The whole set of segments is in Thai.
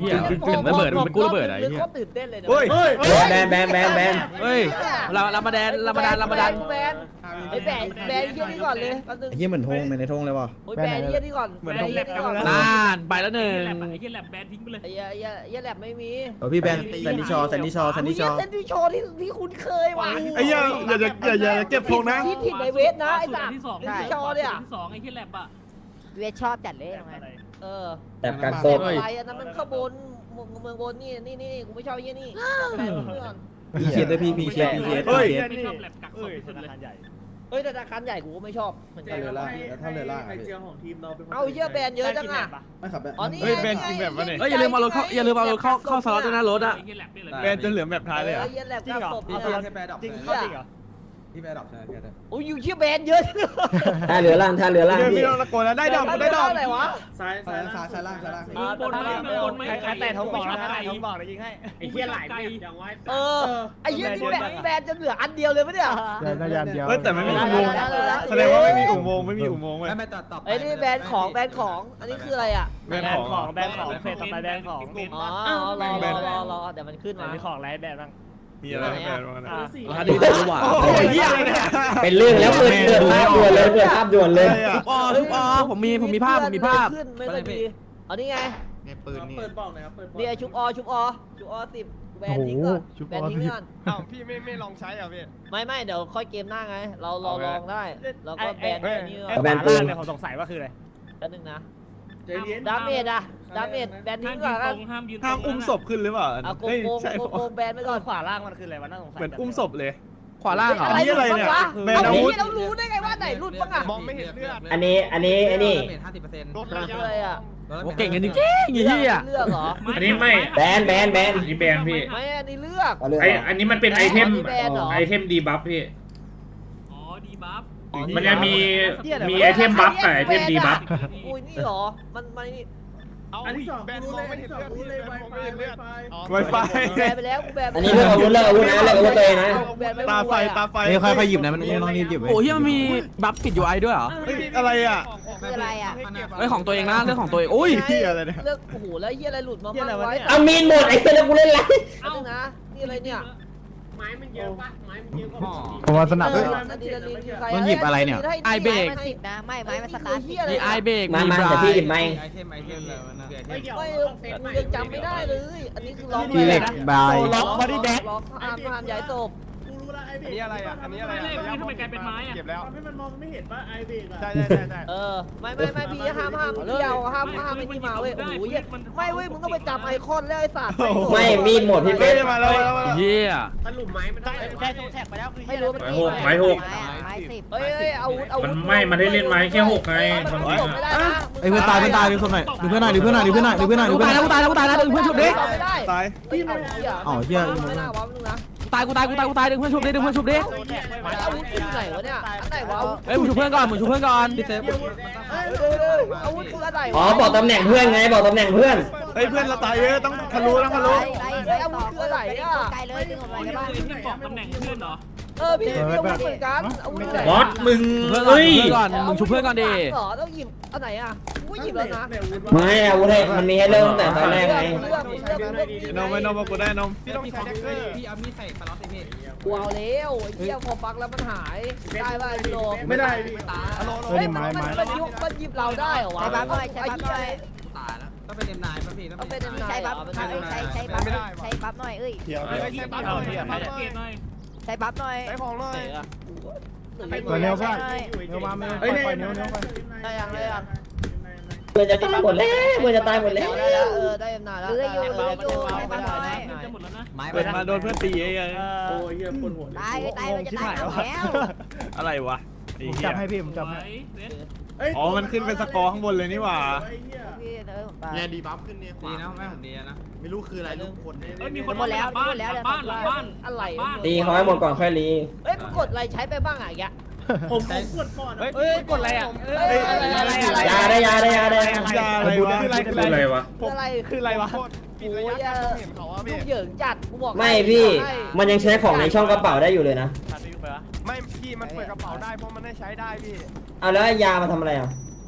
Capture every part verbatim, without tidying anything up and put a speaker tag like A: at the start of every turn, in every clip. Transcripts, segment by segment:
A: หี้ยถึงระเบิดมันเป็นกู้ระเบิดอะไรเหี้ย
B: เขาตื่นเต้นเลยนะ
C: เฮ้ย
D: แบนแบนแบนแบน
A: เฮ้ยเราเรามาแดนเรามาดันเรามาดัน
B: แบนไอ้แบนแบนเยี่ยนี่ก่อนเลยแป๊บนึง
E: เฮียเหมือนธงในธงเลยว่ะ
B: โอ้ยแบนเยี่ยนี่ก่อน
C: เหมือน
B: แบนเยี่ยนี่ก่อน
A: นานไปแล้วหนึ่ง
F: ไอ้เหี้ยแลบแบนทิ้งไปเลย
B: ไอ้เหี้ยไอ้เหี้ยไอ้เหี้ยแลบไม่มี
E: เออพี่แบนแซนดี้ชอแซนดี้ชอแซนดี้ชอ
B: เซนดี้โชว์ที่ที่คุณเคยว่ะ
C: ไอ้เหี้ยอย่าอย่าอย่าอย่าเก็บธงนะ
B: ที่ผิดในเวทนะไอ้สัตว์
F: ที่สอง
B: เซนดี้โชว์เนี่ย
F: ที่สองไอ้เหี้ยแลบอะ
G: เวทชอบจัดเลยไง
B: เออ
D: แต่การโซ
B: เต็มอะไรอันนั้นมันข้างบนเมืองบนนี่นี่นี่กูไม่ชอบเยี่ยนี่แบนเพื่อน
E: พีเคสด้วยพี่พีเคสพีเคส
C: เฮ้ย
E: พีเคส
F: ไม่ชอบแลบกักศพที่สุดเลย
B: เฮ้ยแต่ธนาคารใหญ่กูก็ไม่ชอบเหมือนกันเลย
E: ถ้าเรือล่าง
B: เอาเยี่ยแบนเยอะจังอ่ะ
E: ไม่ขับแบน
B: อ๋อนี่
C: เฮ้ยแบนจริงแบบวะเนี่ย
A: เฮ้ยอย่าลืมเอารถเข้าอย่าลืมเอารถเข้าเข้าสล็อตด้วยนะรถอะ
F: ไอ้เหี้ยแลบเนี่ยเลย
C: แบนจนเหลือแบบท้ายเลยอ่ะ
B: เยี่ยแลบกับศพ
E: พี่
B: เนี่ย
E: แค่แบนดับ
B: จริง
E: พี่
B: เหรอ
E: พี่แบนดับใช่แค่นั้น
B: โอ้ยอยู่เยี่ยแบนเยอะจัง
D: ถ้าเรือล่างถ้าเรือล่าง
C: เดี๋ยว
D: พี่
C: พี่ต้องตะโกนแล้วได้ดอกได้ดอก
B: ไหนวะ
E: ซ้ายซ้ายซ้ายซ้ายล่างซ้ายล่าง
F: มึงบนไหมมึงบนไหม
H: ใครแต่ท้องบอกนะใครท้องบอกนะยิงให้
F: ไอ้เหี้ยหลายแบบอย่างไว้
B: เออไอ้เยี่ยนี่แบนแบนจะเหลืออันเดียวเลยปะเนี่ย
E: ได้ยันเดียว
C: เฮ้ยแต่ไม่มีอุโมงค์แสดงว่าไม่มีอุโมงค์ไม่มีอุโมงค์เว้ย
E: ไม่ตัดต่อ
B: ไอ้นี่แบนของแบนของอันนี้คืออะไรอ่ะ
C: แบน
H: แบ
C: ข
H: น
C: อง
H: ของแบนของเพจต่อไปแบนของ
B: อ๋อรอรอรอรอเดี๋ยวมันขึ้นมา
H: มีของไรแบนบ้าง
C: มีอะไรแบนบ้างนะ
H: อ่า
A: ราคาดีจังหวะ
C: โอ้โหเหี้ยอะไรเนี่ย
D: เป็นเรื่องแล้วเปิดเปิดภาพด่วนเลยเปิดภาพด่วนเลย
A: ทุบอทุบอผมมีผมมีภาพผมมีภาพ
B: ขึ้นไม่ได้มีเอานี่ไง
E: เนี่ยปืนนี่
B: นี่ไอ้ชุบอชุบอชุบอสิบแบนทิ้งก่อนแบนทิ้งก่อน
C: อ้าวพี่ไม่ไม่ลองใช้อ่ะพี่
B: ไม่ไม่เดี๋ยวค่อยเกมหน้าไง เราเราลองได้เราก็แบน
H: ไอ้
B: อันนี้
H: ไอ้ฝาล่างเนี่ยผมสงสัยว่าคืออะไร
B: แป๊บนึงนะดาเมจอะดาเมจแบนทิ้
F: ห้าง ม
B: ก่
F: ยื
B: อน น
F: ตรงห้ามยืน
C: ห้ามอุ้มศพขึ้นหรือเปล่า
B: เอาโก
C: เฮ้ย
B: งโกง
C: ใช่
B: โกงโกงแบนไปก่อน
H: ขวาล่างมันคืออะไรวะน่าสงสัย
C: เหมือนอุ้มศพเลย
A: ขวาล่างเหรอ
C: อันนี้อะไรเนี่ย
B: วะ
C: แบนอาวุธ
B: เรารู้ได้ไงว่าไหนรุ่นบ้างอะ
C: มองไม่เห็นเลือด
D: อันนี้อันนี้ไอ้นี่
E: ห้าสิบเปอร์เซ็นต์
C: รถระยะ
B: อะไรอะ
A: โอ้เก่งกันจริงๆอย่างเงี้ย
B: เลือกเหรอ
F: อันนี้ไม่
D: แบนแบนแบน
I: นี่แบนพี่
B: ไม่อันนี้เลือก
D: เอาเรือ
I: ไออันนี้มันเป็นไอเทม
B: แบนเหรอ
I: ไอเทมดีบัฟพี่
F: อ๋อดีบัฟ
I: มันจะมีมีไอเทมบัฟกับไอเทมดีบัฟ
B: อุ้ยนี่เหรอมันมันนี่
C: อันนี้แบนมองไม่เห็นเลือดพี่แบนมองไม่เห็นเลือด Wi-Fi
B: แบนไปแล้วกูแบน
D: อันนี้เลิกอาวุธเลิกอาวุธนะเลิกอาวุธตัวเองนะ
C: ตาไฟตาไฟ
E: นี่ค่อยๆหยิบนะมันไม่ต้องรีบหยิบ
A: โอ้เฮียมันมีบัฟปิด ยู ไอ ด้วยเหรอ
C: เฮ้ยอะไรอ่ะ
G: คืออะไรอ่ะ
A: เรื่องของตัวเองนะเรื่องของตัวเองโอ้ย
C: เหี้ยอะไรเนี่ย
B: เลือกโอ้โหแล้วเฮียอะไรหลุดมาบ้างไว้
D: เอามีนหมดไอ้เหี้ยแล้วกูเล่นไร
B: เอานะนี่อะไรเนี่ย
F: ไม้มันเยอะปะไม้มันเยอะกว่า
E: ผมว่าสนับ
B: เอ
E: ด้วย
B: ออันนี้อันนี้คือใคร
E: ต้องหยิบอะไรเนี่ย
A: ไอเบรก
G: มันสิบนะไม่ไม้มันสตาร์ทสิบ
A: มีไอเบรก
D: มา
A: มี
D: มา
A: บรา
D: แต่พี่หยิ
A: ย
D: บไม่
E: ไอเทมไอเทมเลยมันนะ
B: ไม่กูยังจำไม่ได้เลย อันนี้คือล็อก
E: พี่เหล็กบาย
B: ล็อกบอดี้แบ็กล็อกห้ามห้ามย้ายศพ
C: อันนี้อะไรอ่ะอันนี้อะไร
F: ไม่
C: อ่ะ
F: เล่นทำไมกลายเป็นไม้อะ
C: เก็บแล้ว
H: ให้มันมองไม่เห็นว่าไอเบรกอะ
C: ใช่ใช่ใช่
B: เออไม่ไม่ไม่พี่ห้ามห้ามเที่ยวห้ามห้ามไม่นี่มาเว้ยโอ้โหเหี้ยไม่เว้ยมึงต้องไปจับไอคอนแล้วไอ้สัตว์
D: ไม่มีดหมดพี่
C: เฮ้
D: เป๊ะ
C: ยมาแล้วมาแล้ว
A: เฮีย
F: สรุปไม้มันได้
H: ได้ตรงแท็กไปแล้วคือ
B: ไม่รู้มัน
I: ไม้หกไม้หก
G: ไม้อะไม้สิบ
B: เฮ้ยเฮ้ยอาวุธอาวุ
I: มั
B: ธ
I: นไม่มันได้เล่นไม้แค่หกไง
B: มัน
I: คน
B: จ
I: นี้
B: บไม่ได้
I: อะ
B: นะ
E: ไอ้เพื่อนตายเพื่อนตายดูศพหน่อยดูเพื่อนหน่อยดูเพื่อนหน่อยดูเพื่อนหน่อยดูเพื่อนหน่อยดู
A: กู
E: เพื่อนห
A: ตาย
E: น่
A: แล้
E: อ
A: วย กูตายแล้วกูตายแล้วดึงเพื่อนชุบดิ
C: ตาย
B: เฮ้ยเอาเหี้ย
E: อ๋อเหี้ย
B: ไม่น่าวะมึงนะ
A: ตายกูตายกูตายกูตายดึงเพื่อนชุบดิดึงเพื่อนชุบดิ
B: อาวุธคือไหนวะเนี่ยอันไหนวะอาวุธ
A: เฮ้ยมึงชุบเพื่อนก่อนมึงชุบเพื่อนก่อน
E: พี่เซฟ
B: อาวุธคืออะไร
D: อ๋อบอกตำแหน่งเพื่อนไงบอกตำแหน่งเพื่อน
C: เฮ้ยเพื่อนเราตายเยอะต้องทะลุต้องทะลุ
G: ไล่อาวุธคืออะไรอ่ะไกลเลยดึงออกมา
F: นี่
G: ได้
F: คือ
G: ป่ะ
F: ที่บอกตำแหน่งเพื่อนเหรอ
B: เออพี่พี่อาวุธเหมือนกันอาวุธไหน
I: บอสมึง
A: เพื่อนก่อน
I: เฮ้ย
A: เพื่อนก่อนมึงชุบเพื่อนก่อนดิ
B: เหรอต้องหยิบอันไหนอ่ะกูหยิบแล้วนะ
D: ไม่อาวุธให้มันมีให้เริ่มตั้งแต่ตอนแรกไง
B: เลือกเลือกเลือกเลือก
C: นมไม่นมมากูได้นมพี่ต้องใช้แท็กเกอร์
E: พี่เอามีดใส่สล็อตเลยพี่
B: กูเอาแล้วไอ้เหี้ยพอปักแล้วมันหายได้ป่ะไอ้โล
C: ไม่ได้พี่
B: เฮ้ยมันมันมันยุบมันหยิบเราได้เหรอวะ
G: ใช้บัฟหน่อยใช้บัฟหน่อย
E: ตายแล้วต้องเป็นเอ็มนายป่ะพี่ต้อง
B: ต้อง
E: เป็
B: เป็น น
E: เอ็ม
B: นาย
G: ใช้บัฟใช้ใช้ใช้บัฟใช้บัฟหน่อยเอ้ย
C: เดี๋ยว
F: เฮ้ยใช่ปั๊บหน่อยเกตหน่อย
G: ใช้บัฟหน่อย
C: ใช้ของหน่อย
E: ตัวเนี้ยว่าเนื้อมาไม่ปล่อยเนื้อเนื้อไป
B: ได้ยังได้ยัง
D: เพื่อนจะตายหมดแล้วเพื่อนจะตายหมดแล้ว
B: ได้แล้วเออได้นานแล้ว
G: เรืออยู่เรืออยู่ใช้บัฟหน่อย
F: จะหมดแล้วนะ
E: ไม้
C: เปิดมาโดนเพื่อนตีไอ้ยัง
H: โอ้ยเหี้ยคนหัว
G: ตายตายมันจะตายแล้ว
C: อะไรวะไอ้
E: ผม
C: เหี้
E: จั
C: ย
E: บให้พี่ผมจับ
F: ไว้
E: ให้
F: เด็ด
C: อ๋อมันขึ้นเป็นสกอร์ข้างบนเลยนี่หว่า
G: พี่เออตาย
E: เนี่ยดีบัฟขึ้นเนี่ยดีนะแม่ผมดีนะไม่รู้คืออะไรลูกคน
F: เฮ้ยมีคนบ้านหลังบ้านหลังบ้านหลังบ้าน
B: อะไร
F: บ้าน
D: ตีเขาให้หมดก่อนค่อยรี
B: เฮ้ยมึงกดอะไรใช้ไปบ้างอ่ะแก
H: ผมผมกดก่อนเฮ้ยกดอะไรอ่ะ
B: เฮ้ยอะไรอะไรอะไร
D: ยาได้ยาได้ยาได้
C: ยาอะไรวะ
I: คืออะไรวะ
B: อะไร
H: คืออะไรวะ
B: โอ้ยเห็นเขาว่าลูกเหยิงจัดกูบอก
D: ไม่พี่มันยังใช้ของในช่องกระเป๋าได้อยู่เลยนะ
H: ทันได้ยุบไปวะ
C: ไม่พี่มันเปิดกระเป๋าได้เพราะมันได้ใช้ได้พี่
D: เอาแล้วยามาทำอะไรอ่ะ
C: ก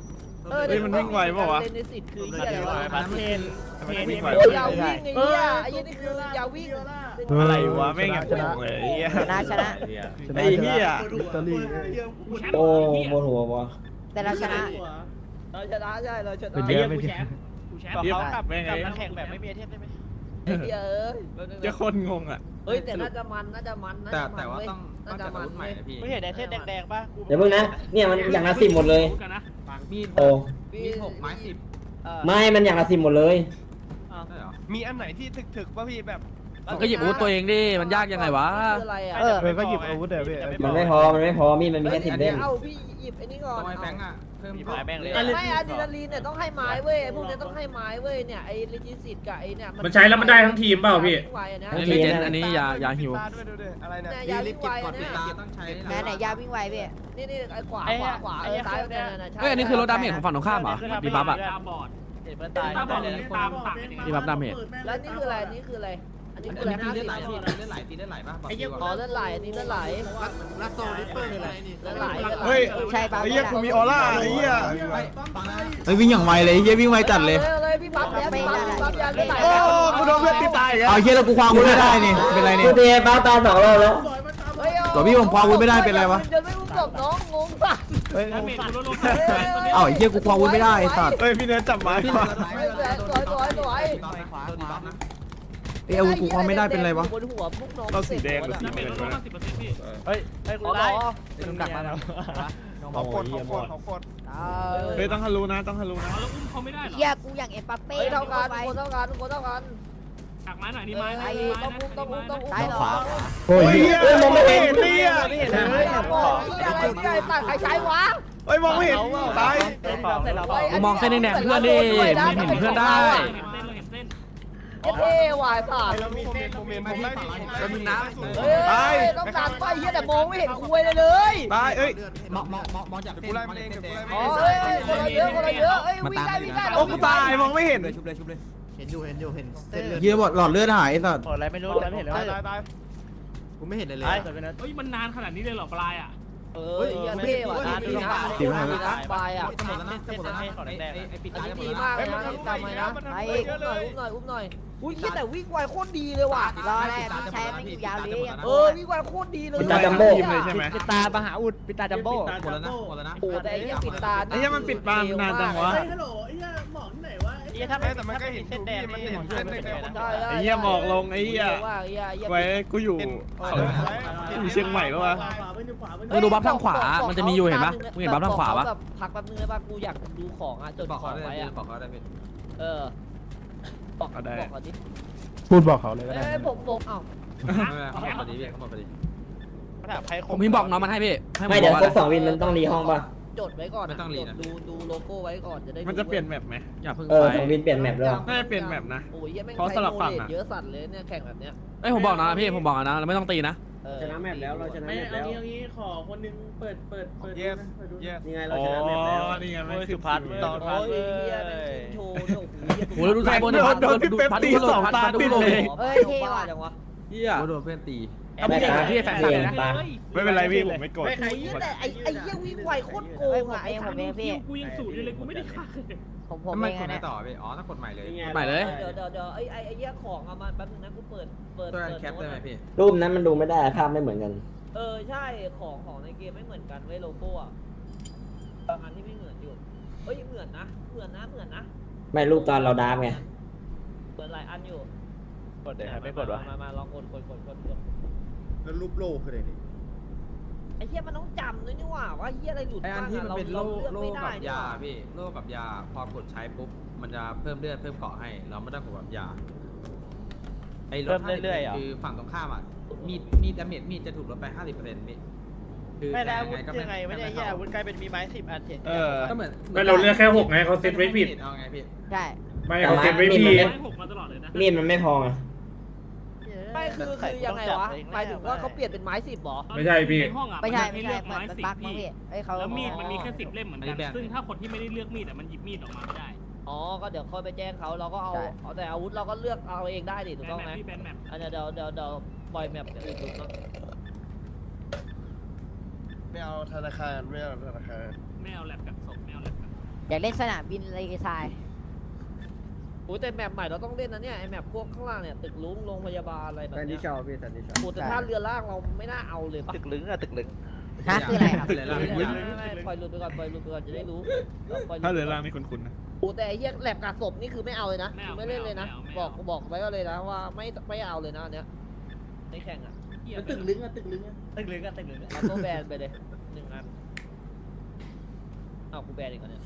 B: เออ
C: เฮ้ยมันวิ่งไวเปล่าวะ
B: เลนในสิทธิ์คือเหี้ยอะไรวะ
H: พันเทน
C: ทำไมมันวิ่งไว
B: โอ้ยอย่าวิ่งไอ้เหี้ยไอ้เหี้ยนี่คืออย่าวิ่ง
C: อะไรวะไม่งอย่างโกงเลยไอ้เหี้ย
G: ชนะชนะ
C: ไอ้เหี้ย
E: อิตาลี
D: โอ้บนหัววะ
G: แต่เราชนะ
B: เราชนะใช่เราชนะ
E: เป็น
B: ไอ้
E: เย
B: เหี้ย
E: อะไม่ใช่
H: เขากลับกลับมาแข่งแบบไม่มีไอเทมได้ไหม
B: เอ้ย
C: จะคนงงอ่ะ
B: เฮ้ยแต่น่าจะมันน่าจะมันน่า
J: แต่
B: จะมัน
J: แต่ว่า
B: เว้ย
J: ต้อง
B: น่า
J: ต้อง
B: จะ
J: จัด
B: มั
J: อาน วุธใหม่
B: เว้ย
J: นะพี่
H: ไม่เห็นไอเทมแดงๆป่ะ
D: เดี๋ยวมึงนะเนี่ยมันอย่างละสิบหมดเลย
J: มีด
D: โอ้
J: มีดหกไม้สิบ
D: ไม่มันอย่างละสิบหมดเลย
J: ใช่เหรอ
C: มีอันไหนที่ถึกๆป่ะพี่แบบ
A: มันก็หยิบอาวุธตัวเองดิมันยากยังไงวะ
B: คืออะไรอ่ะ
G: เออ
E: เออก็หยิบอาวุธเดี๋ยวพี่
D: มันไม่พอมันไม่พอมีดมันมีแค่สิบเล่ม
B: เอาพี่หยิบไอ้นี่ก่อน
J: ต้องไอ้แฟงอ่ะเพิ่ม
H: มีไม้แม่งเลย
B: ไม่อะดรีนาลีนเนี่ยต้องให้ไม้เว้ยพวกเนี้ยต้องให้ไม้เว้ยเนี่ยไอ้ลิจิสิตกับไอ้เนี่ย
I: มันใช้แล้วมันได้ทั้งทีมเปล่าพี่
B: ไวอะนะ
A: อันนี้เจนอันนี้ยายาหิว
C: ด้วยดูดิอะไรเนี่ย
B: เนี่ย
J: รี
B: ยา
J: บ
B: วิ่ง
J: เก็
B: ไว
J: บก่อน
B: อะ
J: ปิด
B: เนี่ย
J: ตาต้องใช้
G: แม่ไหนยาวิ่งไวพี่
B: นี่นี่ไอ้ขวาขวาขวาเออซ้ายเนี่ยเนี่ยใช่
A: เฮ้ยอันนี้คือรถดาเมจของฝั่งตรงข้ามเหรอมีบัฟอะ
F: ตาบอด
H: เห็นเพื่อนตาย
F: ตาบอดเลยตามต่าง
A: มีบัฟดาเมจ
B: แล้วนี่คืออะไรนี่คืออะไรอันนี้
J: อัน
B: คืออะไร
J: นี้
B: ห้า
J: ตี
B: สิ
J: เลื
B: บ
J: อดไหล
B: นาที
J: พี่ตีเลือดไหลตีเลือดไหลป่ะบอก
B: ไอ้
J: พี่
B: เหี้ย
J: ก่อน
B: อ๋อเลือดไหลอันนี้เลือดไหล
J: ลัสโซลิปเปอร์คืออะไรนี่
B: เลือดไหลเลือดไหล
C: เฮ้ย
G: ใช่ปั๊บ
C: ไอ้เหี้ยกูมีออร่าไอ้เหี้ย
J: ไม่ฟังนะ
E: เฮ้ยวิ่งอย่างไวเลยเฮียวิ่งไวจัดเลย
B: เลยพี่ปั๊บแล้วพี่ปั๊บพี่ปั๊บยาเลือดไหล
C: โอ้กูโดนเพื่อนตีตายอีกแล้ว
E: เอาเฮียแล้วกูความอาวุธไม่ได้นี่เป็นไร
D: กู
E: เนี่ย
D: เทป้าตายสองรอบแล้ว
E: ตัวพี่ผมความอาวุธไม่ได้เป็นไรวะ
B: จะไม่รู้จบน้องงงป่ะ
E: เฮ้ย
F: ดาเมจลดลง
E: เอ้าไอ้เฮียกูความอาวุธไม่ได้ไอ้สัตว์
C: เฮ้ยพี่เนื้อจับไม้
J: พี่
C: มา
J: เลือดไหล
B: สวยสวยสวย
J: ขวาตัวดีบัฟนะ
E: ไอ้อาวุธกูความไม่ได้เป็นไรวะ
B: บนหัวพวกน้อง
C: เราสีแดงหรือสี
F: ดาเมจ
C: เงิน
F: ลดลง
C: วะ
F: สิบเปอร์เซ็นต์พี่
H: เฮ้ยเฮ้ยกู
B: อ๋อ
H: ได้
E: มึงดักมาแล้ว
C: เขากดเขากดเขากดเฮ้ยต้องฮารุนะต้องฮารุนะ
F: เอาแล้วอุ้มเขาไม่ได้เหรอ
G: เฮียกูอย่างเอ็มปัปเป้
B: เฮ้ยเท่ากันคนเท่ากันคนเท่ากัน
F: ฉากไม้หน่อยนี่ไม้นะ
B: ไอ้
F: นี่ไม้
B: ต้อง
F: นะ
B: อุ้มต้องอุ้มต้องอุ้ม
G: ซ้ายขวา
E: โอ้ย
C: เฮ้ย
E: เฮีย
C: เฮ้ยมองไม่เห็นเนี่ย
H: ไม่เห็น
B: เฮ้ยบอกที่อะไรที่อะไรตัดใครใช้วะ
C: เฮ้ยมองไม่เห็นตาย
A: กูมองเส้นแดงๆเพื่อนดิมึงเห็นเพื่อนได้
F: เห็นเส้นเราเห็นเส้น
B: เท่วายผ่าน
C: เรามีเมนผมเมนผมได้
J: แล้วมึงนะ
B: เฮ้ยต้องดันไปเฮียแต่มองไม่เห็นคุยเลยเลย
C: ตายเอ้ย
J: มองมองมองมองจากเส้นมองจากเส้นแดง
B: อ๋อเฮ้ยคนละเยอะคนละเยอะเฮ้ยวิ่งได้วิ่งได้
C: โอ้กูตายมองไม่เห็น
J: ชุบเลยชุบเลยเห็นอยู่เห็นอยู่เห็นเส้นเลือด
E: เฮียบอกหลอดเลือดหายไอ้สัตว์
H: หมดอะไรไม่รู้แล้วไม่เห็นแล้ว
C: ตายตายตาย
J: กูไม่เห็นเลยเลย
H: ตาย
F: เฮ้ยมันนานขนาดนี้เลยเหรอปลายอ่ะ
B: เออเฮียเท่ว่ะนะดีนะดีนะไปอ่ะ
J: จะหมดแล้วนะจะหมดแล้วนะไอ้ไอ้ปิด
B: อัน
J: ตา
B: นี้
J: จะหมด
B: ดี
J: แล้ว
B: มาก
J: นะ
B: เลยนะจำไว้นะ
C: ไอ้
B: ไอ้อุ้มหน่อยอุ้มหน่อยอุ้มหน่อยอุ้ยเฮียแต่วิ่งไวโคตรดีเลยว่ะ
G: รออะไรพี่ใช้ไม่อยู่ยาวเลย
B: เออวิ่งไวโคตรดีเลย
C: ปิดตาจัมโบ้เลยใช่ไหม
H: ปิดตามหาอุดปิดตาจัมโบ้
J: หมดแล้วนะหมดแล้วนะ
B: โอ้แต่ไอ้เฮียปิดตา
C: ไอ้เหี้ยมันปิดตานานจังวะ
H: เฮ้ยฮัลโหลไอ้เหี้ยหมอกที่ไหนวะไอ้เหี้ยถ้าไม่แต่มันก็เห็นเส้นแดงนี่เห็นเส้นแดง
C: ไอ้เหี้ยหมอกลงไอ้เหี้ย
B: ว่าเฮียเฮีย
C: ไว้กูอยู่อยู่เชียงใหม่แล้ววะ
A: เออดูบัฟทางขวามันจะมีอยู่เห็นปะมึงเห็นบัฟทางขวาปะ
B: แบบพักแป๊บนึงได้ปะกูอยากดูของอ่ะจด
J: บอก
B: ข
J: เขา
B: อง
J: ได้
B: ไว้อ่ะ
J: บอกเขาได้พี่
B: เออบอกบอกเขาดิ
E: พูดบอกเขาเลยก็
B: เอ้
E: ได้
B: ยผมผมเอ้า
J: เขาหมดพอดีพี่เขาหมดพอดี
A: ผมพิมพ์บอกน้องมันให้พี่ให้ผ
D: ไม่
A: มบ
D: เดี๋ย
A: อ
D: ว
A: ก
D: คร
A: ว่า
D: บสองวินมันต้องรีห้องป่ะ
B: จดไว้ก่อนดูดูโลโก้ไว้ก่อนจะได้
C: มันจะเปลี่ยนแมปไหม
A: อย่าเพิ่ง
D: เออ
A: ไป
D: สองวินเปลี่ยนแมปด้วย
C: น่าจะเปลี่ยนแมปนะ
B: โอ้ยยังไม่
C: เพราะสลับฝั่งอะ
B: เยอะสัตว์เลยเนี่ยแข่งแบบเนี้ย
A: เอ้ยผมบอกนะพี่ผมบอกนะเราไม่ต้องตีนะ
B: ชนะแมปแล้วเราชนะ
H: ไม่เอางี้เอางี้ขอคนนึงเปิดเปิดเปิด
C: yes
H: เปิดดู
C: yes
H: นี่ไง
C: อ๋
H: เรา
C: อ
H: ชนะแมปแล้ว
C: นี่ไงไม่
H: โอ้ย
C: คื
H: สุพัฒน์
C: อ
H: ต่อ
B: โอ้ยเฮียแม่งโชว์เนี่ยโอ้โห
A: โอ้ยดูไซบนดิพัด
C: โดนพี่เป๊ปตีสองตาติดเลย
B: เฮ้ยเท่ว่ะจังวะ
A: เฮีย
J: โดนเพื่อนตี
A: เอาพี่เก่งกว่าพี่แฟน
D: เก่
A: เลย
D: ง
A: นะ
D: ปะ
C: ไม่เป็นไรพี่ผมไม่โกรธ
B: ไอ้เหี้ยแต่ไอ้ไอ้เหี้ยวิ่งไวโคตรโกงอ่ะไอ้
G: ผมเองพี่
F: กูยังสูดอยู่เลยกูไม่ได้ฆ่าเลย
G: ผมผม
J: ทำไม
G: เอง
J: กด
G: นะ
J: ไม่ต่อพี่อ๋อต้องกดใหม่เลย
A: ใหม่เลย
B: เดี๋ยวเดี๋ยวเดี๋ยวไอ้ไอ้ไอ้เหี้ยของเอามาแป๊บนึงนะกูเปิดเปิด
J: ตัวการแคปได้ไหมพี่
D: รูปนั้นมันดูไม่ได้ภาพไม่เหมือนกัน
B: เออใช่ของของในเกมไม่เหมือนกันเว้ยโลโก้อะบางอันที่ไม่เหมือนอยู่เฮ้ยเหมือนนะเหมือนนะเหมือนนะ
D: ไม่รูปตอนเราดาร์ฟไง
B: เหมือนหลายอันอยู่
H: กดเดี๋ยวไม่กดวะ
B: มามาลองกดกดกดกดกด
E: แล้วรูปโลกคืออะไรนี่
B: ไอ้เหี้ยมันต้องจำด้วยนี่หว่าว่าเหี้ยอะไรหลุด
J: ไออัน
B: บ้าง
J: ที่
B: อะ
J: มัน
B: เรา
J: เป็นโล่
B: เราเลือก
J: โล่
B: ไม่ได้
J: กับ
B: นี่
J: ยา
B: หว่า
J: พี่โล่กับยาพอกดใช้ปุ๊บมันจะเพิ่มเลือดเพิ่มเกาะให้ เราไม่ต้องกดแบบยาไอ้ลดคือฝั่งตรงข้ามอ่ะมีดมีดดาเมจมีดจะถูกลดไปห้าสิบเปอร์เซ็นต์พี่คือ
H: ไม่
J: แต่
H: แล้ว
J: ยัง
H: วุ
J: ไง
H: ฒิ
J: ก็ไม่
H: ยังไงไม่ได้แย่วุฒิกลายเป็นมีไม้สิบอันเห็น
C: เออ
J: ก็เหมือน
I: ไม่เราเลือกแค่หกไงเขาเซตไว้ผิด
J: เอาไงพี่
G: ใช่
I: ไม่เขาเซตไว้ผิด
F: ไม่หกมาตลอดเลยนะ
D: มีดมันไม่พอไง
B: ไม่คือคือยังไงวะหมายถึงว่าเขาเปลี่ยนเป็นไม้สิบหรอ
I: ไม่ใช่พี่
F: ในห้องอ่ะ
G: ไม่ใช่
F: ให้
G: ไม่
F: เลื
G: ใช่
F: อก
G: เหมือน
F: ไม้
G: มัน
F: สิบ
G: บั๊กมั้ง
F: พี่
G: พี่เอ้ยเขา
F: แล้วมีดมันมีแค่สิบเล่มเหมือนกัน ซึ่งถ้าคนที่ไม่ได้เลือกมีดอ่ะมันหยิบมีดออกมาไม่ได้
B: อ๋อก็เดี๋ยวค่อยไปแจ้งเขาเราก็เอาเอาแต่อาวุธเราก็เลือกเอาเองได้ดิถูก
F: แบ
B: ต้อง
F: นแม
B: ไหม
F: ปพี่แบนแมป
B: อันเดี๋ยวเดี๋ยวเดี๋ยวเดี๋ยวปล่อยแมปเดี๋ยวอื่นดูเนาะ
C: ไม่เอาธนาคารไม่เอาธนาคาร
F: ไม่เอาแลบกับศพไม่เอาแลบกับ
G: อยากเล่นสนามบินเลยทราย
B: โอ้แต่แมปใหม่เราต้องเล่นนะเนี่ยไอแมปพวกข้างล่างเนี่ยตึกลุงโรงพยาบาลอะไรแบบ
E: แซน
B: เนี้
E: ดี้
B: ย
E: ชาวพี่แซนดี้ชาว
B: โอ้แต่ถ้าเรือล่างเราไม่น่าเอาเลยปะ
H: ตึกลึงอะตึกลึง
G: ฮะคืออะไรครับ
J: เลยละ
B: ไม่ไม่ไม่ปล่อยหลุดไปก่อนปล่อยหลุดไปก่อนจะได้รู้ปล่อยหลุด
C: ถ้าเหลือล่างนี่คุ้นๆนะ
B: โอ้แต่ไอ้เหี้ยแลบกาศพนี่คือไม่เอาเลยนะคือไม่เล่นเลยนะ บอกบอกไว้ก็เลยนะว่าไม่ไม่เอาเลยนะอันเนี้ยไม่แข่งอ่ะ
H: ตึกลึงอะตึกลึงอะ
B: ตึกเหลืองกันตึกเหลืองเอาตัวแบนไปเลยหนึ่งอันเอากูแบนอีกแล้วเนี่ย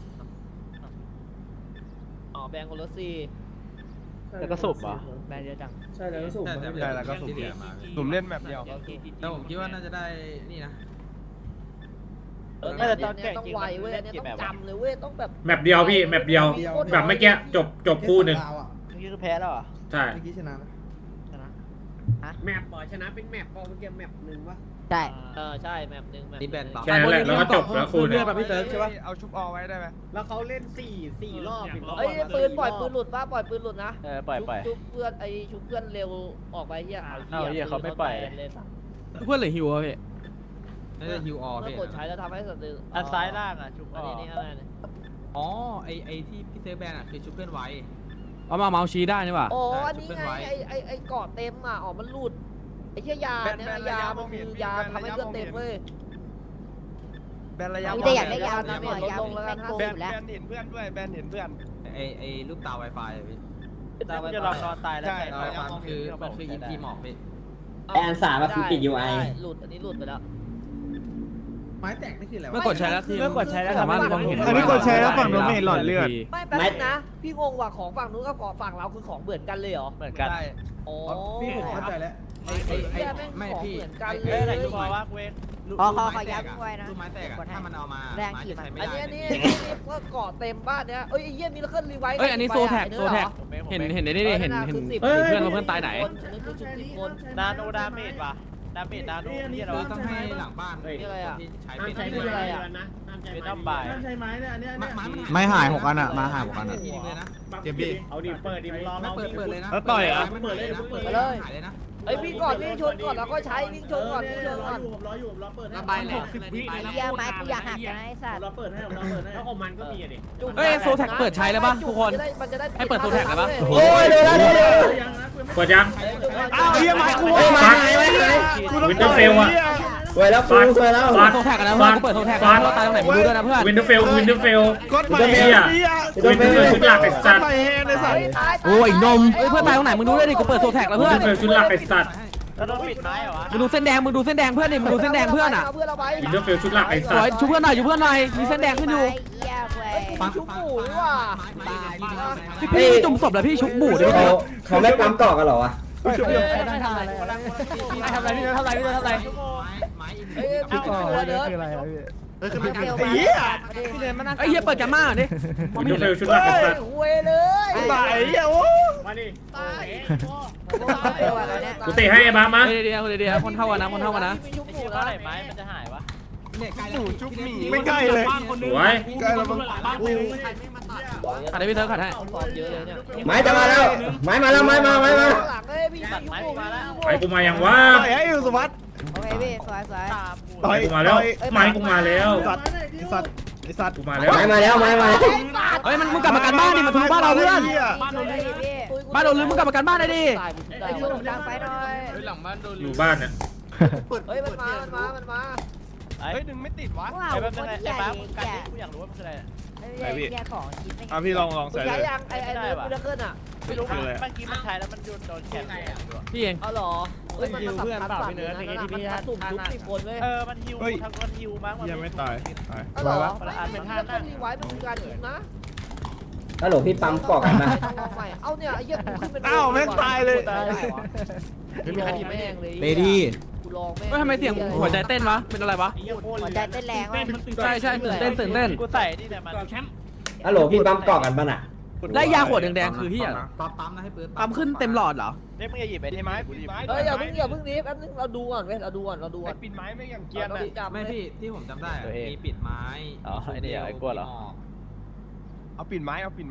B: อ๋อแบนคนละสี่
H: แล้วก็สูบเหรอ
B: แบนเยอะจัง
E: ใช่แล้วก็สูบ
J: ใช่
E: มา
J: ใช่แล้วก็สุ่มมา
C: ผมเล่นแมปเดียว
J: แต่ผมคิดว่าน่าจะได้นี่นะ
B: เออเนี่ยเนี่ยต้องไวเว้ยเนี่ยต้องจำเลยเว้ยต้องแบบ
I: แมปเดียวพี่แมปเดียวแบบเมื่อกี้จบจบคู่หนึ่ง
H: นี่คือแพ้แล้วเหรอ
I: ใช่
E: เมื่อกี้ชนะนะ
H: แมปบอชนะเป็นแมปบอเมื่อกี้แมปหนึ่งวะ
G: ใช่
B: เออใช่แมปหนึ่งแมป
J: นี่แบนต่อ
I: แค่นั้นแหละแล้วก็จบแล้วคู่หนึ่
A: เลื
I: ง
A: อดแบบพี่เติร์กใช่ปะ
C: เอาชุบออไว้ได้ไหม
H: แล้วเขาเล่นสี่สี่รอบถึง
B: เอ้ยปืนปล่อยปืนหลุดป่ะปล่อยปืนหลุดนะ
H: เออปล่อยปล่อย
B: ชุบเพื่อนไอ้ชุบเพื่อนเร็วออกไปเฮีย
H: เอาเหี้ยเขาไม่ปล่อย
B: เลยสัตว์
A: เพื่อนหรือฮิวอะพี่
J: น่าจะฮิวออ
B: เมื่อ
J: พี่
B: กดใช้แล้วทำให้สัตว์
H: อันซ้ายล่างอ่ะชุบอ
B: อัน
H: อ
B: นี้
H: ก
B: นี่อะไรเนี่ย
J: อ๋อไอไอที่พี่เซฟแบนอ่ะคือชุบเพื่อนไว้
A: เอามาเมาส์ชี้ได้นี่ป่ะ
B: โอ้อันนี้ไงไอ้ไอ้ไอ้เกาะเต็มอ่ะอ๋อมันหลุดไอ้เหี้ยยาเนี่ยยามันคือยาทำให้เลือดเต็มเว้ย
C: แบนระยะ
G: มีแต่อยากได้ยาว
B: นะ
G: นะ
B: เนี่
G: เนี่ย ย
B: ลด
G: ยาว
B: ลงแล้วกัน
G: แม่ง
B: ห้า
G: โก
B: สิ
G: ง
B: บ
G: อยู่แล้ว
C: แบนเห็นเพื่อนด้วยแบนเห็นเพื่อน
J: ไอไอรูปตา Wi-Fi อะพี่
H: แล้วมันจะลองนอนตายแล้ว
C: ใช่
J: ตา Wi-Fi มันคือมันคือ อี พี หมอกพี่
D: แอนสามอะคือปิด ยู ไอ
B: หลุดอันนี้หลุดไปแล้ว
E: ไม้แตกนี่คืออะไร
A: เมื่
E: วะ
A: อกดใช้แล้วทีม
B: เมื่อกดใช้แล้ว
A: สามารถมองเห็น
C: อันนี้กดใช้แล้วฝั่งนู้นไม่เห็นหลอดเลือด
B: ไม่แป๊บนึงนะพี่งงว่าของฝั่งนู้นกับของฝั่งเราคือของเหมือนกันเลยเหรอ
H: เหมือนกัน
C: ได้
B: อ๋อ
E: พี่ผมเข้าใจแล้ว
B: ไอ้ไอ้เหี้ยแม่ง
J: ไม่
B: ของ
J: พี่
B: เหมือนกัน
J: ไ
B: เล
H: เอ้ยไหน
B: ย
H: ชุบออกว่าเว้น
G: ขอขอขอย้ำไว้นะ
J: ลูกไม้แตกอะถ้ามันเอามา
G: แรง
J: ไม้
G: ขีด
J: จะใช้ไม่
B: อัน
J: ได้
B: นี้อันนี้อันนี้ก็เกาะเต็มบ้านเนี้ยเอ้ยไอ้เหี้ยมีแล้วเคลื่อนรีไวท์
A: เอ้ยอันนี้โซแท็กโซแท็กเห็นเห็นได้ดิเห็นเห็นเห็นเพื่อนเราเพื่อนตายไหน
B: อันนี้คือชุดสิบคน
H: นาโนดาเมจว่ะดาเมจนาโนนี่เรา
J: คือต้องให้หลังบ้าน
B: นี่อะไรอะ
J: ที่ใช้
H: ห้าม
J: เป็น
H: ใช้
B: นี่อะไรอะ
H: เป็นน้ำบ่าย
E: ใช้ไม้เนี่ยอันเนี้ย
J: ไม้
E: เนี่ย
J: ไม้มัน
C: ไม่หายหกอันอะมาหายหกอันอะ
J: ทีนึงเลยนะ
C: เจ็บพี่
H: เอาดิเปิดดิรอ
J: ไม่เปิดเปิดเลยนะ
C: แล้วต่อยอะ
J: เปิดเลยนะเปิด
B: ไป
J: เล
B: เลย ย
J: หายเลยนะ
B: เอ้ยวิ่งก่อนวิ่งชนก่อนแล้วก็ใช้วิ่งชนก่อนวิ่งชน
E: รอ
B: ก่อน
E: อยู่ผมรออยู่ผมรอเปิดให้
F: ระบายแหลก
G: ไอ้เหี้ยไม้กูอยากหักกันนะไอ้สัตว์
E: รอเปิดให้ผมรอเปิดให้
H: แล้วของมันก็มีอ่ะดิ
B: จุ่ม
A: เอ้ยโซแท็กเปิดใช้แล้วป่ะทุกคน
B: มันจะได้
A: ให้เปิดโซแท็กเลยปะ
D: โอ้ยเดี๋ยวนะเดี๋ยวนะ
E: ยังนะ
I: กดยัง
C: อ้าวเฮียไม้กู
D: เฮ้ยไม้หายไม้หาย
I: วินเทอร์เฟลอะ
D: สวยแล้วกูสวยแล้ว
I: ฟาด
A: โซแท็กกันนะเพื่อนกูเปิดโซแท็กนะเราตายตรงไหนไม่รู้ด้วยนะเพื่อน
I: วินเทอร์เฟลวินเทอร์เฟล
C: กดใหม่
I: เฮีย
C: เฮีย
I: วินเทอร์เฟลชุดหลักไอ้สัตว์
C: ใหม่แฮนไอ้สัตว์
A: โอ้ยนมเอ้ยเพื่อนตายตรงไหนมึงดูด้วยดิกูเปิดโซแท็กแล้ว
I: วิ
A: เพื่
I: น
A: อน
I: เทอร์เฟลชุดหลักไอ้สัตว์
H: แล้วโดนปิดไม้เหรอวะ
A: มึงดูเส้นแดงมึงดูเส้นแดงเพื่อนดิมึงดูเส้นแดงเพื่อนอ่ะ
B: เพื่อนเราไป
I: วินเทอร์เฟลชุดหลักไอ้
A: ส
I: สัต
A: วย
I: ว์
A: ชูเพื่อนหน่อยชูเพื่อนหน่อยมีเส้นแดงขึ้นอยู่
G: ไอ้เหี้ยเว้ย
B: ฟังชุบหมูว่ะ
A: พี่พี่ไม่จุ่มศพแล้วพี่ชุบหมูดิพี่
D: เขาเขาไม่ปั๊มต่อกันเหรอวะ
A: ทำอะไรทำอะไรทำอะไรพี่ทำอะไรพี่ทำอะไร
J: ไม้อิน
B: เอ้ยพี่ก่อนเดิน
E: เออคือเป็น
G: เร็ว
C: ไอ้
G: มา
C: เหี้ย
A: ไอ้เหี้ยเปิดกันมาดิ
I: วินเทอร์เฟลชุดหลักไอ้สัตว์
B: เว้ยเลย
C: ตายไอ้เหี้ยโอ้
H: มาดิ
B: ตาย
G: เร็วอะไรเนี่ย
I: กูเตะให้ไอ้บ้ามา
A: เดี๋ยวเดี๋ยวเดี๋ยวคนเท่ากันนะคนเท่ากันนะ
B: ชุบ
H: ไอ้
B: หมู
H: เหี้ย
B: แล้
H: เมื่อไหร่ไม้มันจะหายวะ
J: เนี่ยไกล
C: ห
J: แล้ว
C: มูจุ๊บหมีไม่ใกล้เลย
I: สวย
C: ใกล้แล้วมั้ง
F: บ้านไปเลย
A: ขัดให้พี่เธอขัดให้
B: ฟอร์มเยอะเลยเนี่ย
D: ไม้จะมาแล้ว ไม้มาแล้วไม้มาไม้มา
B: หลังเลยพี่ชุบหมูมาแล้ว
I: ไอ้กูมายังวะ
C: ต่อยให้อยู่สุวัสดิ์
G: โอเคพี่สวยสวย
H: ตามกู
C: ต่อย
I: กูมาแล้วไม้กูมาแล้ว
C: สัตว์ไอ้สัตว์ไอ้สัตว์
I: กูมาแล้ว
D: ไม้มาแล้วไม้มา
A: เฮ้ยมันมึงกลับมากันบ้านดิมาทุบบ้านเราเพื่อน
F: บ้านโดน
G: พี่พี่
A: บ้านโดนลืมมึงกลับมากันบ้านได้ดิ
B: ตายผม
G: ไอ้
B: ตาย
G: ช่วยผมดังไฟหน่อย
F: หลังบ้านโดน
I: อยู่บ้านเนี่ย
B: เฮ้ยมันมา มันมา มันมา
H: ไอ้
C: เฮ้ยดึงไม่ติดวะ
G: ว้าว
H: ไอ้
G: ค
H: แบ
G: น
H: บนึงไอ้
G: ใหญ่
H: ฟ้า
G: ให
H: มึ
G: ญ่
H: งกันดิกูอยากรู้ว่ามันคืออะไร
G: ไอ้เหี้ยของชิ้น
C: อ่ะพี่ลองลอง
B: คุณ
C: ใส่
B: ใช้
C: เลย
B: ยังไอ้ไอ้เนื้อกูจะขึ้นอ่ะ
H: ไม่รู้เมื่อกี้มันใช้แล้วมันโดนโดนแขน
A: พี่เอง
B: เอาหรอเฮ้ยมันสำคัญฝั่งนี้นะมันสุ่มทุกสิบคนเว้ย
H: เออมันฮิวทางมันฮิวมั้งมัน
C: ยังไม่ตายตาย
B: เอาหรอไม่เป็นท่านั่งรีไวท์มันคือการยิงนะ
D: ฮัลโหลพี่ปั๊มกรอกกันปะ
B: ต้องลองใหม่เอาเนี่ยไอ้เหี้ยกูขึ้นเป็น
C: อ้าวแม่งตายเลย
B: ตายได้วะกูลองแม่งเลย
A: เลดี้
B: กูลองแม่ง
A: เฮ้ยทำไมเสียงหัวใจเต้นวะเป็นอะไรวะ
G: หัวใจเต้นแรงว่ะ
A: ใช่ใช่ตื่นเต้นตื่นเต้น
H: กูใส่นี่แต่มัน
F: แคมป์
D: ฮัลโหลพี่ปั๊มกรอกกันปะน่ะ
A: ได้ยาขวดแดงๆคือเฮีย
J: ปั๊มปั๊มนะให้เปิด
A: ปั๊มขึ้นเต็มหลอดเหรอ
H: เนี่ยมึงอย่าหยิบไอ้ที่ไม้กูดิ
B: เฮ้ยอย่าเพิ่งอย่าเพิ่งนี้แป๊บนึงเราดูก่อนเว้ยเราดูก่อนเราดูก่อน
C: ปิดไม้ไม่ยังเกียร์นะ
J: ไม่พี่ที่ผมจำได้อะมีปิดไม้
H: อ๋อไอ้นี่ไอ้กลัวเหรอ
C: เอาปิดไม้เอาปิดไม้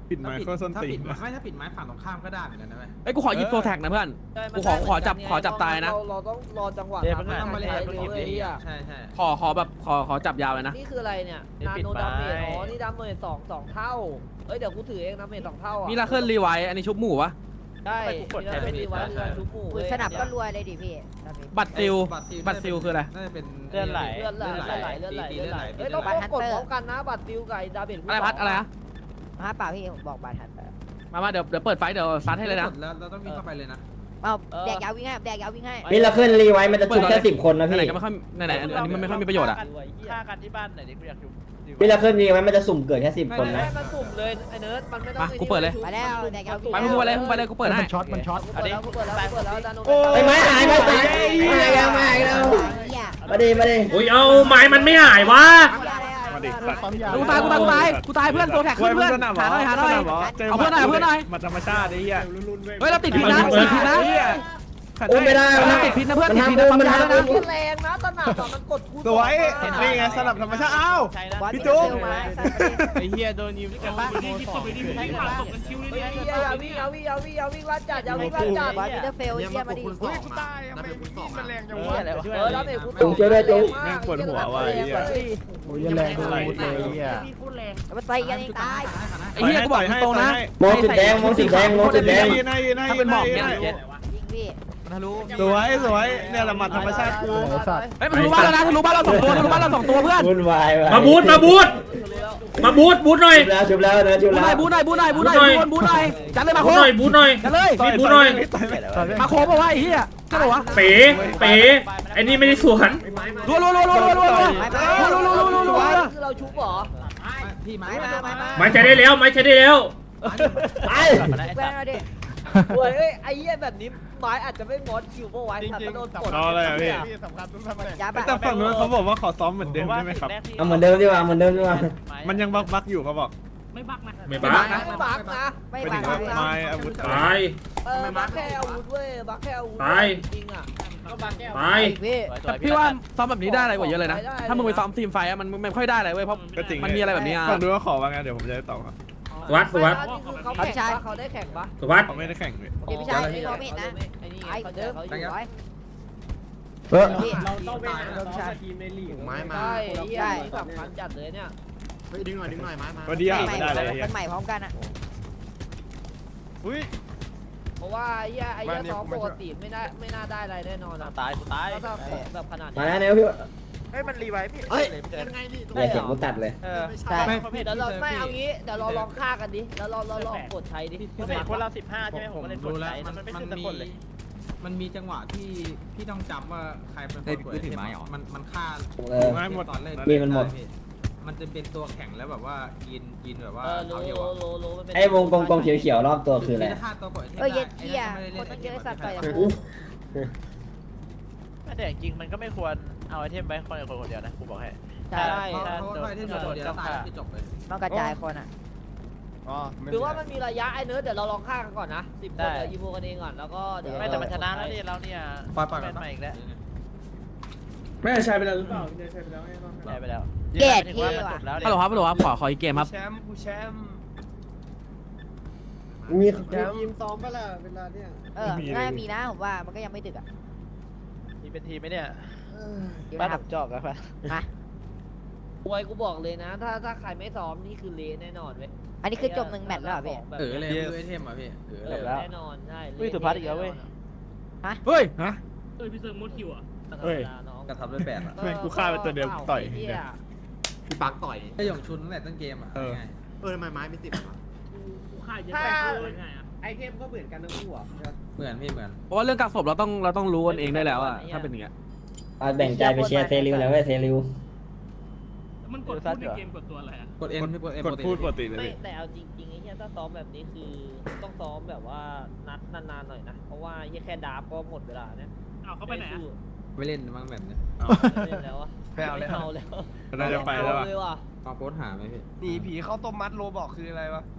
C: ปิดไม้ก็ส้น
J: ถ้า
C: ตี
J: ปิ
C: น
J: ดไม่ถ้าปิดไม้ฝั่งตรงข้ามก็ได้เหมือนกันนะเว้ย
A: ไอ้ยกูขอหยิบโซแท็กนะเพื่อน
B: ใช่
A: กูขอขอจับขอจับตายนะ
B: เราเราต้องรอจังหวะ
H: เดี๋ยว
B: ทำให้
H: มัน
B: มัน
H: เล่น
B: ใช้
H: มัน
B: เร็ว
H: เล่น
B: เลยอ่ะ
J: ใช่ใช่
A: ขอขอแบบขอขอจับยาวเลยนะ
B: นี่คืออะไรเนี่ย
H: นี่
B: นา
H: ปิด
B: โน
H: ไม้
B: ดาเมจอ๋อนี่ดาเมจสองสองเท่าเอ้ยเดี๋ยวกูถือเองดาเมจสองเท่าอ่ะ
A: มีลาเคิลรีไวท์อันนี้ชุบหมูวะ
B: ได้
H: ไปกูกด
B: มีลาเคิล
H: แทน
B: รีไว้
H: ใช่
B: เรือชุบหมู่
G: ปืน
B: เลย
G: สนับก็รวยเลยดิพี่
A: บัตรซิล
J: บัตรซิล
A: บัตรซิลคืออะไร
J: น่าจะเป็น
H: เลือดไหล
B: เลือดไหลเลือดไหลเลือดไหล
J: ตี
B: เลือดไหล
J: ตี
B: เฮ้ย
J: เลื
B: เรา
J: อดไหล
B: ต้องกดพร้อมกันนะบัตรติวกับดาเมจ
A: อะไรพัดอะไรนะ
G: ฮะเปล่าพี่ผมบอกบาทัน
A: มามาเดี๋ยวเดี๋ยวเปิดไฟเดี๋ยวซัดให้เลยนะ
J: แล้วเราต้องวิ่งเข้าไปเลยนะ
G: เอาแดกยาววิ่งให้แดกยาววิ่งให้
D: นี่เราขึ้นรีไว้มันจะชุบแค่สิบคนนะ
A: ไหน
D: พี่
A: ๆก็ไม่ค่อยไหนๆอันนี้มันไม่ค่อยมีประโยชน์อะ
H: ฆ่ากันที่บ้านไหนดิกูอยากดู
D: นี่เราขึ้นรีไว้มันจะสุ่มเกิดแค่สิบคน
B: ไม่
D: นะ
B: มันสุ่มเลยไอ้เนิร์ดมันไม่ต้อง
A: มากูเปิดเลย
G: มาแล้วแดกยาววิ่ง
A: ไปมึงไปเลยมึงไปเลยกูเปิดให้
E: มันช็อตมันช็อต
B: กูเปิดแล้วกูเปิดแล้วกูเปิดแล้วดาโน
D: ไอ้ไม้หายไม้หายมาอีกแล้วมาอีกแล้วมาดิมาดิ
I: อุ้ยเอาไม้มันไม่หายวะ
C: มาดิสัตว์
E: ปั๊มยา
A: กูตายกูตายกูตายกูตายเพื่อนโซแท็กขึ้นเพื่อนหาหน่อยหาหน่อย เอาเพื่อนหน่อยเอาเพื่อนหน่อย
C: มาธรรมชาติไอ้เหี้ย
A: เฮ้ยเราติดพิษนะติดพิษนะ
D: อุ้มไม่ได้
A: มัน
D: นะ
A: ติดพิษนะเพื่อน
D: มัน
A: ติดพิษ
D: ทำ
A: นะ
D: อุ้ม
A: ปั๊ม
D: มัน
A: ยาแล้ว
D: ทำอุ้
A: นะ
D: ม
B: แรงนะสนับอะมันกดกู
C: สวยนี่ไงสลับธรรมชาติอ้าว
H: ใช่แล้ว
C: พี่จุ๊บ
E: ไอ้เหี้ยโดนยิง
F: แต่บ้านที่ที่ตบไปดิที่ผ่านตกกันคิวเลย
B: เฮ้ย
F: เนี่ย
B: อย่าวิ่งอย่าวิ่งอย่าวิ่งอย่าวิ่งลัดจัดอย่าวิ่งลัดจัด
G: บอลมิเตอร์เฟลเยี่ยมาดิ
C: เฮ้ยกูตายทำไมพี่มันแรงจังวะ
B: เออแล้วเด็กกู
D: จุ๊บช่วยด้วยจุ๊บ
C: แม่งปวดหัวว่ะไอ้เหี้ย
E: โอ้ยแรงเลยไอ้เหี้ย
G: มันไปกันเองตาย
A: ไอ้เหี้ยกูบอกตรงๆนะ
D: มองจุดแดงมองจุดแดงมองจุดแดง
C: ยืนให้ยืนให้
A: ถ้าเป็นหมอกเนี่ย
G: ยิงพี่
C: สวยสวยเนี่ยละหมัดธรรมชาติกู
E: ไอ้สัตว์
A: เฮ้ยมันทะลุบ้านแล้วนะทะลุบ้านเราสองตัวทะลุบ้านเราสองตัวเพื่อน
D: วุ่นวายว่ะ
I: มาบูทมาบูทมาบูทบูทหน่อย
D: ชุบแล้วชุบแล้วนะชุบ
A: บู
D: แล้ว
A: หน่อยบูหน่อยบูหน่อยบูหน่อยบูหน่อยจัดเลยมา
I: บู
A: โค
I: ทหน่อยบูทหน่อย
A: จัดเลย
I: มีบูทหน่อย
A: มาโคบอกว่าไอ้เหี้ยใช่หรอวะ
I: เป๋เป๋ไอ้นี่ไม่ได้สวน
A: รัวรัวรัวรัวรัวรัวรัวรัวรัวรัวรัวรัว
B: คือเราชุบเหรอ
J: พี่ไม้
G: ไม้มาไม้มา
I: ไม้ใช้ได้แล้วไม้ใช้ได้แล้ว
D: ไป
G: เพื่อนเราดิ
B: เฮ้ยเอ้ยไอ้เหี้ยแบบนี้ไม้อาจจะไม่มอสคิวเพราะไว้ถ้าโดนกด
C: รออะไรอ่ะพี่
E: สำคัญทุกสมัย
G: จับ
C: แต่ฝั่งนู้นเขาบอกว่าขอซ้อมเหมือนเดิมได้ไหมครับ
D: เอาเหมือนเดิมดีกว่าเหมือนเดิมดีกว่า
C: มันยังบักบักอยู่เขาบอก
F: ไม่บักนะ
I: ไม่บัก
B: ไม่บักนะ
G: ไม่
C: ไป
G: บั
C: ถึ
G: ง
C: งว่าไม้อาวุธ
I: ตาย
B: เออบักแค่อาวุธเว้ยบักแค่อาวุธ
I: ตาย
B: จริงอ่ะ
I: ตาย
G: พี่
A: แต่พี่ว่าซ้อมแบบนี้ได้อะไรกว่าเยอะเลยนะ ถ้ามึงไปซ้อมทีมไฟอะมันมันไม่ค่อยได้อะไรเว้ยเพราะ
C: ก็จริง
A: มันมีอะไรแบบนี้อ่ะ
C: ฝั่งนู้นก็ขอว่าไงเดี๋ยวผมจะได้ตอบครับ
I: สวัสดิ์สวัสดิ์
B: เขาแข่งปะเขาได้แข่งปะ
I: สวัสดิ์
C: เขาไม่ได้แข่งเลย
G: พี่พี่ชายไม่รอไม่เห็นนะ
B: ไอ้นี่
G: ไอ้
B: เขา
G: เดิ
B: เดิ
G: ม
B: มเขาอ
G: อยู่
B: ยู่
G: ไว้
E: เออ
G: พี่
H: เราต้องไปหาซ้อมทีมในลีก
E: ไม้มา
B: ใช่เหี้ยนี่สำคัญจัดเลยเนี่ย
E: เฮ้ยดึงหน่อยดึงหน่อยไม้มา
C: ก็ดีอ่ะ
G: ใหม่
C: ไม่ได้เลย
G: เป็นใหม่พร้อมกันอ่ะ
C: อุ้ย
B: เพราะว่าไอ้เหี้ยไอ้เหี้ยซ้อมปกติไม่ได้ไม่น่าได้อะไรแน่นอนอะ
H: ตายกูตาย
B: ถ้าถ้าของแบบขนาด
D: มา
B: นี้
D: แล้วเนี่ยพี่
H: เฮ้ยมันรีไวพี่
E: เฮ้ย
H: เลย
E: ยังไงนี่
D: อย่าเสียงกูตัดเลย
H: เออ
G: ใช่
B: เดี๋ยวเราไม่เอางี้เดี๋ยวเราลองฆ่ากันดิแล้วเราเราลองกดใช้ดิ
H: ผมเห็นคนเราสิบห้าใช่ไหมผมก็เลยกด
J: รู้แล้
H: ใช้
J: วมัน
H: มันไม่
J: มัน
H: ขึ้นสัก
J: มี
H: คนเลย
J: มันมีจังหวะที่พี่ต้องจำว่าใครเป็นคนกดไอเทมมันมันฆ่า
D: เออ
C: ไม้หมด
J: ตอนเล่น
D: มีมันหมด
J: มันจะเป็นตัวแข็งแล้วแบบว่ายินยินแบบว่า
B: เออ
J: เท้า
B: รู้
J: เดียว
B: รู้
J: อะ
B: รู้รู้มันเป็น
D: ไอ้วงกลมๆเขียวๆรอบตัวคืออะไร
J: ฆ่าตัวกดไอเทม
G: เออเย็ด
J: ได้
G: เหี้ย
J: ไอ้
G: คนต้องเยอะสัตว์ต่อยกับ
J: ไอ้
G: กู
H: แต่จริงมันก็ไม่ควรเอาไอเทมไปคนคนคนเดียวนะกูบอกให้
G: ใช่
J: เพราะเพราะว่าไอเทมตัวเดียวแล้วตายแล้วคือจบเลย
G: ต้องกระจายคนอ่ะ
E: อ๋อ
B: หรือว่ามันมีระยะไอ้เนื้อเดี๋ยวเราลองฆ่ากันก่อนนะสิบคนเดี๋ยวอีโมกันเองก่อนแล้วก็เดี๋ยว
H: ไม่แต่มันชนะแล้วนี่เราเนี่ย
J: ปล่อยปล่อย
H: แม
J: กัน
H: นใหม่อีกแล้ว
I: แม่ใช้ไปแล้วหรือเปล่า
H: ได้ไปแล้ว
G: เกลียด
H: ถึง
G: พี่
H: ว่ามัน
G: ว่ะ
H: จบแล้ว
A: ฮัลโหลครับฮัลโหลครับขอขออีกเกมครับ
C: แชมป์กูแชมป์
D: มี
E: ทีมซ้อมปะล่ะเวลาเนี่ย
G: เออน่ามีนะผมว่ามันก็ยังไม่ดึกอ่ะ
H: มีเป็นทีมไหมเนี่ย
G: เดี๋ยว
H: บ้าน
G: นะค
H: ผ
G: รับ
H: มจอกแล้วป่ะ
G: มา
B: มวยกูบอกเลยนะ ถ้าถ้าใครไม่ซ้อมนี่คือเละแน่นอนเว้ย
G: อันนี้คือจบหนึ่งแมตช์แล้วเหรอพี่
J: เออเลยคือไอเทมอ่ะพี่เออเลย
B: แน่นอนใช่
H: อุ้ยสุพัฒน์อีกแล้วเว้ย
A: เฮ้ย
C: ฮะ
F: เออพี่เซิร์ฟมดคิวอ่ะ
C: เฮ้ย
J: กระทำด้วยแปดอ่ะ
C: แม่งกูฆ่าไปตัวเดียวต่อย
B: เหี้ย
E: พี่ปักต่อย
J: ไอหยงชุนตั้งแต่ต้นเกมอ่ะ
C: เออ
J: ง่าย
E: เออทำไมไม้ไม่สิบ
F: กูฆ่าเยอะไปเลยไงอ่ะ
E: ไอเทมก็เหมือนกันทั้งคู่อ่ะ
J: เหมือนพี่เหมือน
A: เพราะว่าเรื่องกักศพเราต้องเราต้องรู้กันเองได้แล้วอะถ้าเป็นอย่างเงี้ย
D: เอาแบ่งใจไปเชียร์เซริวแล้วเว้ยเซริว
F: มันกดพูดในเกมกดตัวอะไรอ่ะ
J: กดเอ็นพี่กดเอ็น
C: กดพูดปกติเลย
B: ไม่
C: พี่
B: แต่เอาจริงๆไอ้เหี้ยถ้าซ้อมแบบนี้คือต้องซ้อมแบบว่านัดนานๆหน่อยนะ เพราะว่าเหี้ยแค่ดาบก็หมดเวลาเนี่ย
F: เอาเขาไปไหนอ่ะ
J: ไม่เล่นบ้างแบบนี้
B: ไม่เล่นแล้วอะ
C: ไม่เอาแล้ว
B: ไม่เอาแล้ว
C: เราจะไปแล้วอ่ะ
B: เลยว่ะ
J: เอาโพสหาไหมพี่
C: หนีผีเข้าต้มมัดโรบอกคืออะไรวะ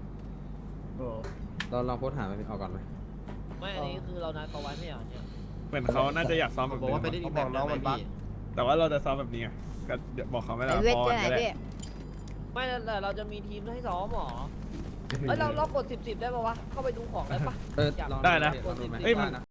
J: เราลองโพสหาไหมพี่เอาก่อนไหม
B: ไม่อันนี้คือเรานัดเขาไว้ไม่เหรอเนี่ย
C: เหมือนเขาน่าจะอยากซ้อมแบบ
E: บอก
C: นี้
E: ว่าไปได้อีกแบบน้องมันบัก
C: แต่ว่าเราจะซ้อมแบบนี้ไงก็เดี๋ยวบอกเขาไม่
G: ไอ
C: ได้
G: เวท
C: พอ
G: เจอไหน
C: ก็ได้
G: พี่
B: ไม่แต่เราจะมีทีมให้ซ้อมหรอเอ้ยเราเรากดสิบสิบได้ปะวะเข้าไปดูของได้ปะ
J: เออลอง
C: ได้นะ
J: ลองดูไหม
C: เอ้ยมัน